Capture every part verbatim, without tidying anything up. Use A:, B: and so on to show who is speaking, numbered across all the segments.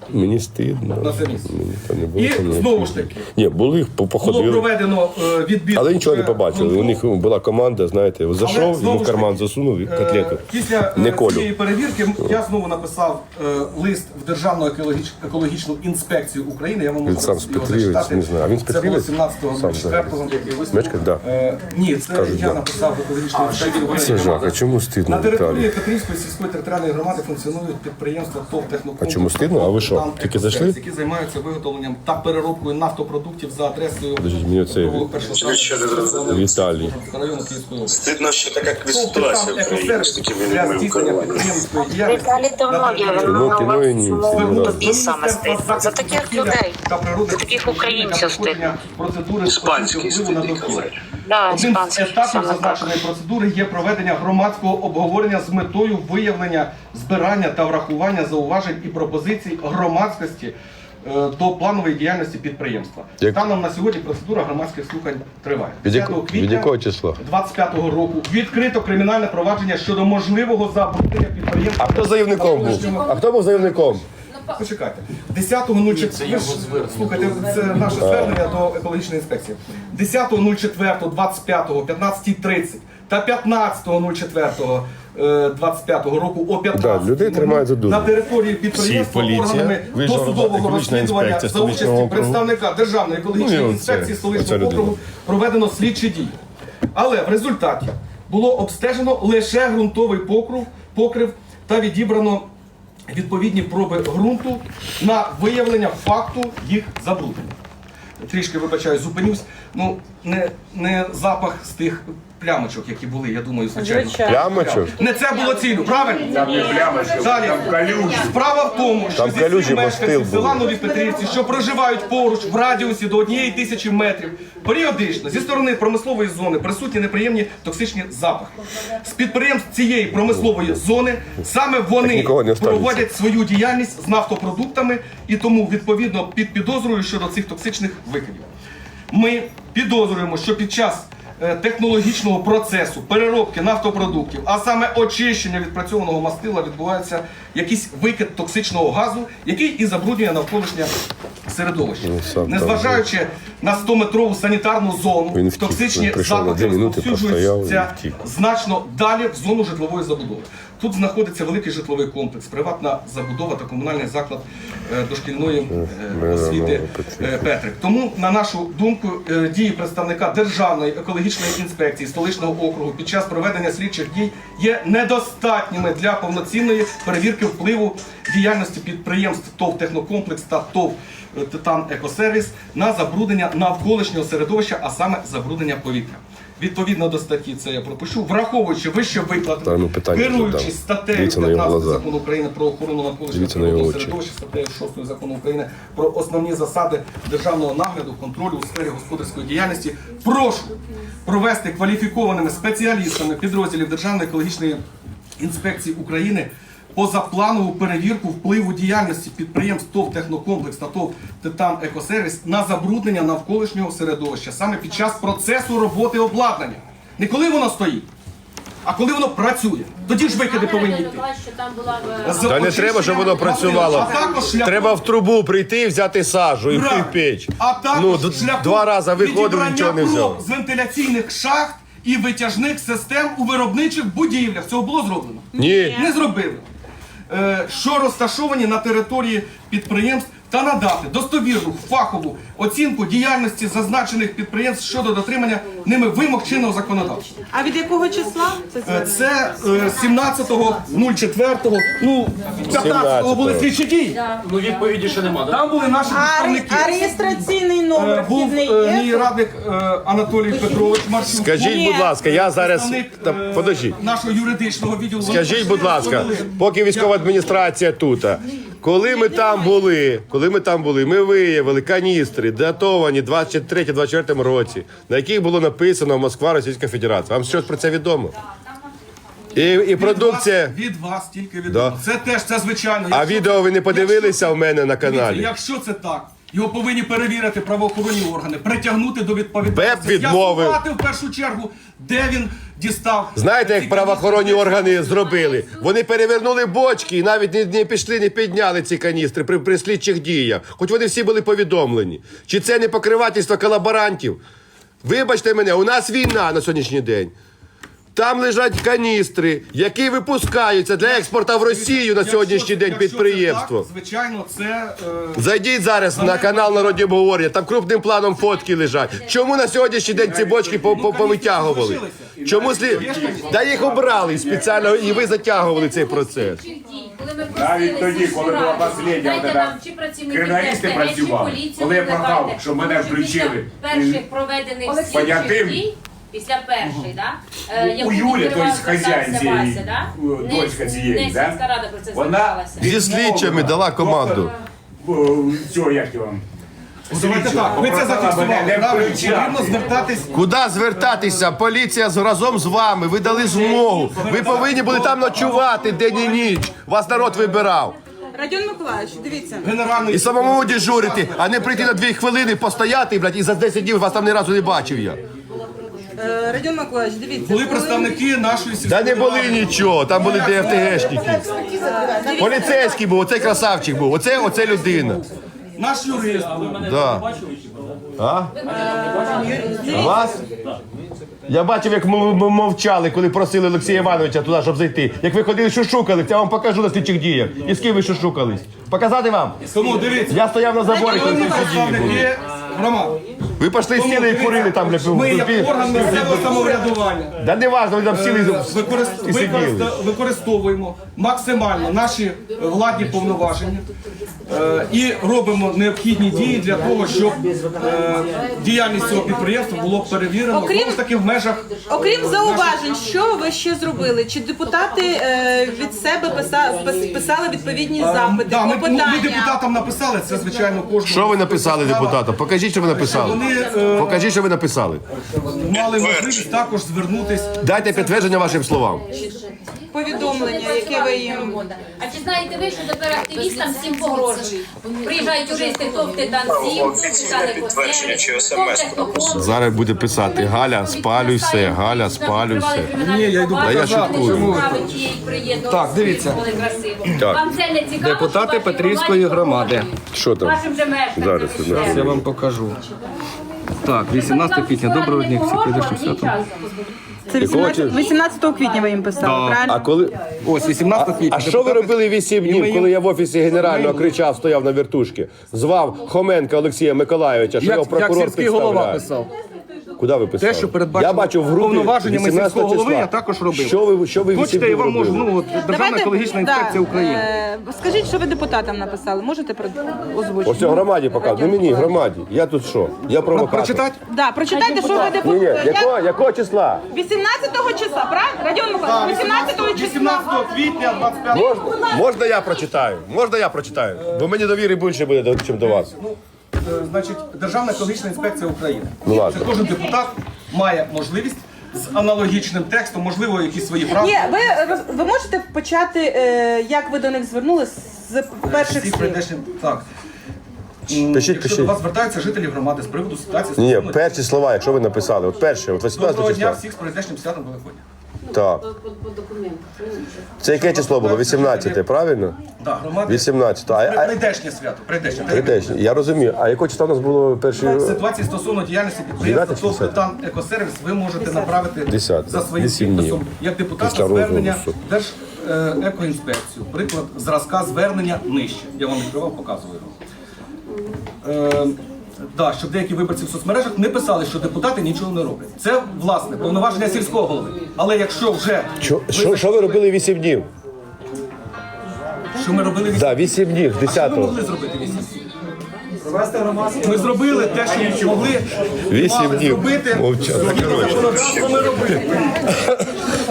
A: Мені стидно.
B: на це місце.
A: Мені то не було,
B: І
A: то не
B: знову ж таки,
A: Ні, були,
B: було
A: походили.
B: проведено е, відбір.
A: Але нічого не
B: е,
A: побачили. У
B: ґрунту.
A: них була команда, знаєте, зайшов,
B: знову
A: йому в
B: ж
A: карман
B: таки,
A: засунув і
B: Е,
A: котлету.
B: Після
A: Не
B: е,
A: колю.
B: цієї перевірки я знову написав е, лист в Державну екологіч- екологічну інспекцію України. Я вам можу
A: Він сам з
B: його
A: Петрівець,
B: зачитати.
A: не знаю. А він з
B: Це було
A: Петрівець?
B: сімнадцятого
A: Сам
B: четвертого.
A: Мешкає? Так.
B: Е, ні, це
A: Кажуть,
B: я
A: да.
B: написав в екологічну інспекцію.
A: Це жах, а чому
B: На
A: стидно,
B: території
A: Віталій?
B: Петрівської сільської територіальної громади функціонують підприємства ТОВ «Технокомплекс».
A: А чому стидно? А ви що,
B: «Там
A: тільки
B: Екосервіс»,
A: зайшли?
B: які займаються виготовленням та переробкою нафтопродуктів за адресою
A: Подождіть, мені оцей Віталій.
B: району Київської області.
C: Стидно, що така
B: ТОВ
C: ситуація в країні з
B: «Екосервіс»
C: такими
B: для
C: людьми в
B: здійснення
C: керуванні.
B: підприємської діяльності
D: Віталій давно є, він
A: Кіно, кіно і ні.
D: чому
A: Раз.
D: тобі саме стидно? За таких людей, за таких українців стидно.
C: Іспанський стидно казати.
D: Да,
B: Одним з
D: іспанських
B: етапів
D: саме так.
B: зазначеної процедури є проведення громадського обговорення з метою виявлення, збирання та врахування зауважень і пропозицій громадськості е, до планової діяльності підприємства.
A: Як-
B: Станом на сьогодні процедура громадських слухань триває.
A: Від яко-
B: десятого
A: від
B: квітня
A: якого числа?
B: двадцять п'ятого року відкрито кримінальне провадження щодо можливого забруднення підприємства.
A: А хто заявником був? А хто був заявником?
B: Почекайте. десятого нуль четвертого, слухайте, це наше звернення до екологічної інспекції. десятого нуль четвертого двадцять п'ятого, п'ятнадцята тридцять та п'ятнадцятого нуль четвертого двадцять п'ятого року о п'ятнадцятій
A: Да, людей тримають за дурня.
B: на території підприємства
A: Всі, поліція,
B: органами
A: Вища
B: досудового
A: екологічна
B: розслідування
A: інспекція
B: за участі
A: столичного округу.
B: представника Державної екологічної
A: Ну, і оце,
B: інспекції
A: оця
B: столичного
A: людина.
B: округу проведено слідчі дії. Але в результаті було обстежено лише ґрунтовий покрив, покрив та відібрано відповідні проби ґрунту на виявлення факту їх забруднення. Трішки, вибачаю, зупинюсь. Ну, не, не запах з тих плямочок, які були, я думаю, звичайно.
A: Плямочок?
B: Не це було цілю, правильно? Далі. Справа в тому, що
A: Там
B: зі
A: калюжі,
B: слів
A: бо
B: мешканців
A: стил
B: села
A: був.
B: Нові Петрівці, що проживають поруч в радіусі до однієї тисячі метрів, періодично зі сторони промислової зони присутні неприємні токсичні запахи. З підприємств цієї промислової зони саме вони
A: нікого не останеться.
B: проводять свою діяльність з нафтопродуктами і тому відповідно під підозрою щодо цих токсичних викидів. Ми підозрюємо, що під час е, технологічного процесу переробки нафтопродуктів, а саме очищення відпрацьованого мастила, відбувається якийсь викид токсичного газу, який і забруднює навколишнє середовище.
A: Ну, сам там
B: Незважаючи на сто-метрову санітарну зону,
A: Він втік,
B: токсичні
A: він прийшов на
B: запахи
A: дві минути,
B: розповсюджуються
A: постояв і втік.
B: значно далі в зону житлової забудови. Тут знаходиться великий житловий комплекс, приватна забудова та комунальний заклад е, дошкільної е, освіти е, Петрик. Тому, на нашу думку, е, дії представника Державної екологічної інспекції столичного округу під час проведення слідчих дій є недостатніми для повноцінної перевірки впливу діяльності підприємств ТОВ «Технокомплекс» та ТОВ «Титан Екосервіс» на забруднення навколишнього середовища, а саме забруднення повітря. Відповідно до статті, це я пропишу, враховуючи вище
A: Та,
B: викладене,
A: ну, питання
B: керуючись
A: задам.
B: статтею
A: Дивіться на його
B: п'ятнадцять
A: глаза.
B: закону України про охорону навколишнього
A: Дивіться на його
B: природного
A: очі.
B: середовища, статтею шостої закону України про основні засади державного нагляду, контролю у сфері господарської діяльності, прошу провести кваліфікованими спеціалістами підрозділів Державної екологічної інспекції України позапланову перевірку впливу діяльності підприємств ТОВ «Технокомплекс» та ТОВ «Титан Екосервіс» на забруднення навколишнього середовища саме під час процесу роботи обладнання. Не коли воно стоїть, а коли воно працює. Тоді ж викиди повинні йти. З
A: Та не треба, щоб воно
B: очищенням
A: працювало.
B: а також шляхом-
A: Треба в трубу прийти, взяти сажу і в
B: Правильно.
A: піч.
B: А також
A: Ну, д-
B: шляхом
A: два рази виходив,
B: відібрання
A: нічого не
B: проб
A: взяв.
B: з вентиляційних шахт і витяжних систем у виробничих будівлях. Цього було зроблено?
A: Ні.
B: Не зробили. Е, Що розташовані на території підприємств та надати достовірну фахову оцінку діяльності зазначених підприємств щодо дотримання ними вимог чинного законодавства.
E: А від якого числа це
B: Е,
E: звернення?
B: Це е, сімнадцятого четвертого, ну, п'ятнадцятого були слідчі дії.
F: Ну, відповіді ще нема, так?
B: Там були наші
E: А, ре-
B: представники.
E: а реєстраційний
B: Е,
E: номер
B: Був
E: вхідний
B: е, мій
E: є?
B: радник е, Анатолій Петрович Марчук.
A: Скажіть,
E: Ні.
A: будь ласка, я зараз.
B: Представник,
A: Та,
B: е,
A: подождіть.
B: нашого юридичного відділу.
A: Скажіть, будь ласка, поки військова адміністрація тут, коли ми там були, коли ми там були, ми виявили каністри, датовані двадцять третьому двадцять четвертому році, на яких було написано Москва, Російська Федерація. Вам щось про це відомо? І, і
B: Від
A: продукція.
B: вас, від вас тільки
A: Да.
B: відомо. Це теж, це звичайно.
A: А
B: Якщо-
A: відео ви не подивилися
B: якщо-
A: в мене на
B: Дивіться,
A: каналі?
B: Якщо це так, Його повинні перевірити правоохоронні органи, притягнути до відповідальності.
A: БЕП відмовив.
B: З'ясувати в першу чергу, де він дістав.
A: Знаєте, як
B: ці
A: правоохоронні
B: каністри?
A: органи зробили? Вони перевернули бочки і навіть не, не пішли, не підняли ці каністри при, при слідчих діях. Хоч вони всі були повідомлені. Чи це не покривательство колаборантів? Вибачте мене, у нас війна на сьогоднішній день. Там лежать каністри, які випускаються для експорту в Росію на
B: Якщо
A: сьогоднішній
B: це-
A: день
B: якщо це
A: підприємство.
B: так, звичайно, це... Е...
A: Зайдіть зараз на канал Народні обговорення, там крупним планом фотки лежать. Чому на сьогоднішній день ці бочки по- по- повитягували? Чому слід? Да їх обрали спеціально, і ви затягували цей процес.
E: Навіть тоді, коли була послідня криміналісти працювали, коли я прохав, щоб мене включили.
F: Перших проведених
E: Понятим.
F: слідчих дій, після першої, да? е, яку
E: У Юлі,
F: відкривав
E: тобто хазяїн
F: Вася,
E: цієї,
F: да?
E: е,
F: Не-
E: дочка цієї,
F: не
E: да?
F: сільська рада про це
E: Вона
F: зверталася.
A: Зі слідчими дала команду.
E: Цього, як його?
B: Давайте так, ви це
E: Попросила
B: зафіксували,
E: мене не
B: правильно?
E: включати.
B: Потрібно звертатись.
A: Куди звертатися? Поліція з- разом з вами. Ви дали змогу. Ви повинні були там ночувати день і ніч. Вас народ вибирав.
G: Радіон Миколаївич, дивіться.
B: Генеральний
A: І самому дежурити, а не прийти на дві хвилини, постояти, блядь, і за десять днів вас там ні разу не бачив я.
G: Е, Радіон Миколаївич, дивіться.
B: були
G: коли-
B: представники нашої
A: Та
B: сільської
A: не були
B: ради.
A: нічого, там були ДФТГшники. Поліцейський був, оцей красавчик був, оце, оце людина.
B: Наш юрист був.
A: Да. А? Вас? Я бачив, як м- м- мовчали, коли просили Олексія Івановича туди, щоб зайти. Як ви ходили, шушукались, я вам покажу на слідчих діях. І з ким ви шушукались? Показати вам?
B: Тому дивіться,
A: Я стояв на заборі, коли слідчі дії були.
B: представники громад.
A: Ви пішли сіли і курили там, бля,
B: Ми як
A: пів-
B: орган місцевого самоврядування
A: Да не важно, ви там сіли
B: використ-
A: і сиділи.
B: використа- використовуємо максимально наші е, владні повноваження е, і робимо необхідні дії для того, щоб е, діяльність цього підприємства було перевірено
G: Окрім-
B: знову ж таки в межах.
G: Окрім зауважень, що ви ще зробили? Чи депутати е, від себе писа- пис- писали відповідні запити,
B: Да, ми, ну, ми
G: клопотання?
B: депутатам написали, це звичайно кожного.
A: Що ви написали депутатам? Покажіть, що ви написали.
B: Вони е,
A: Покажіть, що ви написали.
B: мали можливість також звернутись.
A: Дайте підтвердження вашим словам.
G: Повідомлення, яке ви їм...
F: А чи знаєте ви, що тепер активістам всім погрожують? Приїжджають юристи, товте танців, товте
C: підтвердження чи
F: танців,
C: смс
F: товте хто
A: Зараз буде писати Галя, спалюй все, Галя, спалюй все.
B: Ні, я йду
A: Та я шуткую.
B: Так, дивіться.
A: Так.
F: Вам це не цікаво,
B: Депутати
F: що ваші
B: Петрівської
F: громаді
B: громади.
A: Що там?
F: Вашим же мешканцям.
A: Зараз,
F: і
A: зараз.
F: ще.
B: Я вам покажу. Так, вісімнадцяте квітня. Доброго дня, всі прийдешнім святом.
G: Це вісімнадцятого квітня ви їм писали, правильно?
A: А коли
B: Ось вісімнадцяте квітня.
A: А що ви робили вісім днів, коли я в офісі генерального кричав, стояв на вертушці? Звав Хоменка Олексія Миколайовича, що його
B: Як, як
A: прокурор
B: сільський голова
A: підставляє.
B: писав.
A: Куди ви писали?
B: Те, що передбачено
A: я бачу в групі
B: повноваженнями
A: вісімнадцятого
B: сільського голови,
A: числа.
B: я також робив.
A: Що ви, що ви
B: Хочете,
A: вісім
B: я
A: днів
B: вам можу,
A: робили?
B: ну, от, Державна
G: Давайте,
B: екологічна
G: да,
B: інспекція України.
G: е, Скажіть, що ви депутатам написали? Можете про- озвучити?
A: Ось цього громаді показує. Не мені, громаді. Я тут що? Я провокатор.
B: Прочитати?
G: Да, прочитайте, що ви
A: Ні, ні,
G: депутати.
A: якого, якого числа?
G: вісімнадцятого числа, правильно? Радіон Миколаївич, вісімнадцятого числа.
B: вісімнадцятого квітня, двадцять п'ятого.
A: Можна, можна я прочитаю? Можна я прочитаю? Бо мені довіри більше буде, ніж до вас.
B: Е, Значить, Державна екологічна інспекція України.
A: Ну, ладно.
B: Це кожен депутат має можливість з аналогічним текстом, можливо, якісь свої правки.
G: Ні, ви, роз- ви можете почати, е, як ви до них звернулись з перших
B: Всі
G: слів?
B: прийдешні, так.
A: Пишіть,
B: Якщо
A: пишіть.
B: до вас звертаються жителі громади з приводу ситуації
A: Ні,
B: стосовно-
A: перші слова, якщо ви написали. От перше, от
B: Доброго
A: вісімнадцятого
B: дня
A: числа.
B: всіх з прийдешнім святом Великодня.
A: Так. Це яке число було? вісімнадцяте, правильно?
B: Да, громади.
A: вісімнадцяте. А, а,
B: Прийдешнє свято. Прийдешнє.
A: Прийдешнє. Я розумію. А якого числа у нас було перший?
B: Ситуації стосовно діяльності підприємства
A: дев'яте чи
B: ТОВ
A: десяте?
B: «Титан Екосервіс» ви можете направити
A: Десяте.
B: за своїм
A: Вісім днів.
B: підписом як депутат
A: Після
B: звернення
A: розголосу.
B: в Держекоінспекцію. Приклад зразка звернення нижче. Я вам відкривав, показую його. Е, да, щоб деякі виборці в соцмережах не писали, що депутати нічого не роблять. Це, власне, повноваження сільського голови. Але якщо вже
A: Що, що, що ви робили вісім днів?
B: що ми робили вісім,
A: Так, вісім днів,
B: що ми
A: десятого.
B: могли зробити вісім? Ми зробили те, що ми могли
A: Вісім
B: мали
A: днів.
B: зробити.
A: Мовчати.
B: Згідно законодавства ми робили.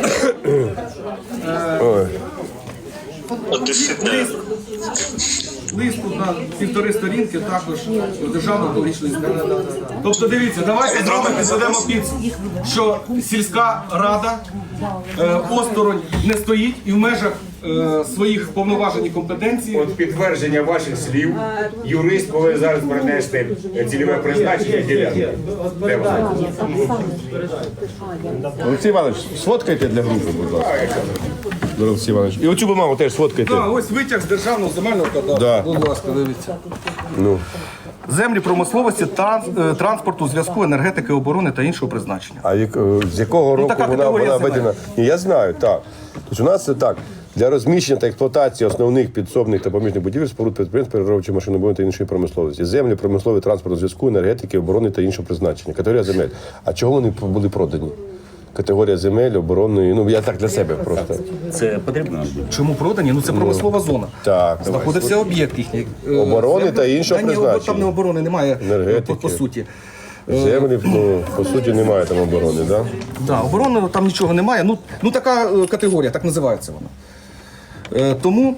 A: Ой.
C: Дисидент.
B: лист тут на півтори сторінки, також державний екологічний лист. Тобто дивіться, давайте з вами підведемо підсумок, що сільська рада е, осторонь не стоїть і в межах е, своїх повноважень і компетенцій.
E: От підтвердження ваших слів, юрист повинен зараз принести цільове призначення ділянки. Де вона?
A: Олексій Іванович, сфоткайте для групи, будь ласка. Олексій Іванович. І оцю бумагу теж сфоткайте.
B: Так, ось витяг з державного земельного кадастру.
A: Да.
B: Будь ласка, дивіться.
A: Ну.
B: Землі промисловості, транс- е, транспорту, зв'язку, енергетики, оборони та іншого призначення.
A: А як, е, з якого року
B: така
A: вона,
B: категорія
A: вона
B: земель.
A: введена? Ні, я знаю, так. Тобто у нас це так. Для розміщення та експлуатації основних підсобних та поміжних будівель, споруд підприємств, переробчої машинобудівної та іншої промисловості. Землі, промислові, транспорту, зв'язку, енергетики, оборони та іншого призначення. Категорія земель. А чого вони були продані? Категорія земель, оборонної, ну я так для себе просто.
C: Це потрібно.
B: Чому продані? Ну це промислова зона.
A: Так,
B: Знаходився об'єкт їхній. е,
A: Оборони
B: землі.
A: та іншого
B: Та ні,
A: призначення.
B: Там не оборони немає,
A: Енергетики.
B: по, по суті.
A: Землі, ну, по суті, немає там оборони, так? Да?
B: Да, оборони там нічого немає. Ну, ну така е, категорія, так називається вона. Е, тому,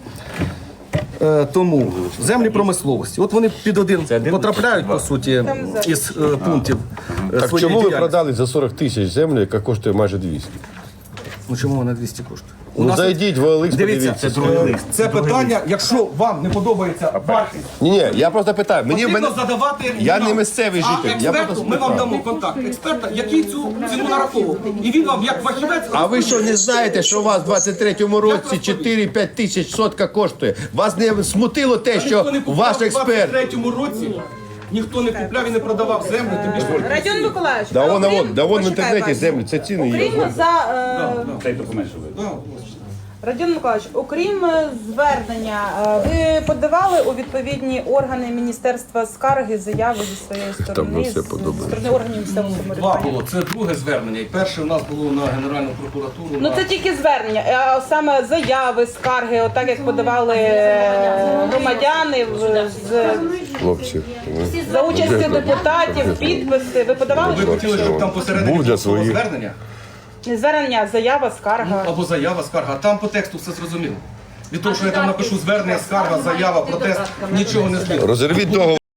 B: е, тому землі промисловості. От вони під один потрапляють, по суті, із е, пунктів е,
A: Так
B: своєї
A: чому ви
B: діяльності.
A: продали за сорок тисяч землю, яка коштує майже двісті?
B: Ну чому вона двісті коштує? У
A: Ну
B: нас-
A: зайдіть в Оликс,
B: Дивіться,
A: подивіться.
B: е, це питання, якщо вам не подобається вартість,
A: Ні, ні, я просто питаю. Мені
B: потрібно
A: мене...
B: задавати.
A: Я
B: нам.
A: не місцевий
B: А
A: житель, я
B: експерту
A: просто
B: ми вам
A: спитав.
B: дамо контакт експерта, який цю ціну нараховував. І він вам, як фахівець,
A: А ви що не знаєте, що у вас в двадцять третьому році чотири-п'ять тисяч сотка коштує? Вас не смутило те, що
B: ніхто не купував
A: ваш
B: у
A: експерт...
B: двадцять третьому році, ніхто не купляв і не продавав землю, тим більше.
G: Радіон Миколаївич,
A: Да
G: а
A: вон,
G: окрім-
A: вон, да вон в
G: почекай,
A: інтернеті
G: Вася.
A: землі, це ціни є.
G: Окрім за е,
E: Цей документ, що ви.
B: Да.
G: Радіон Миколаївич, окрім е, звернення, е, ви подавали у відповідні органи міністерства скарги, заяви зі своєї сторони,
A: на все
G: з-
A: подобається.
G: зі сторони органів місцевого
B: Два
G: самоврядування?
B: було. Це друге звернення. І перше у нас було на Генеральну прокуратуру.
G: Ну
B: на-
G: це тільки звернення, а саме заяви, скарги, отак як подавали е, громадяни в- з,
A: Хлопці.
G: за участю депутатів, підписи. Ви подавали
B: Ви хотіли, щоб там посередині
A: Був для
B: було
A: своїх.
B: звернення?
G: не звернення, а заява, скарга?
B: Або заява, скарга. Там по тексту все зрозуміло. Від того, що я там напишу звернення, скарга, заява, протест, нічого не слід.
A: Розірвіть договор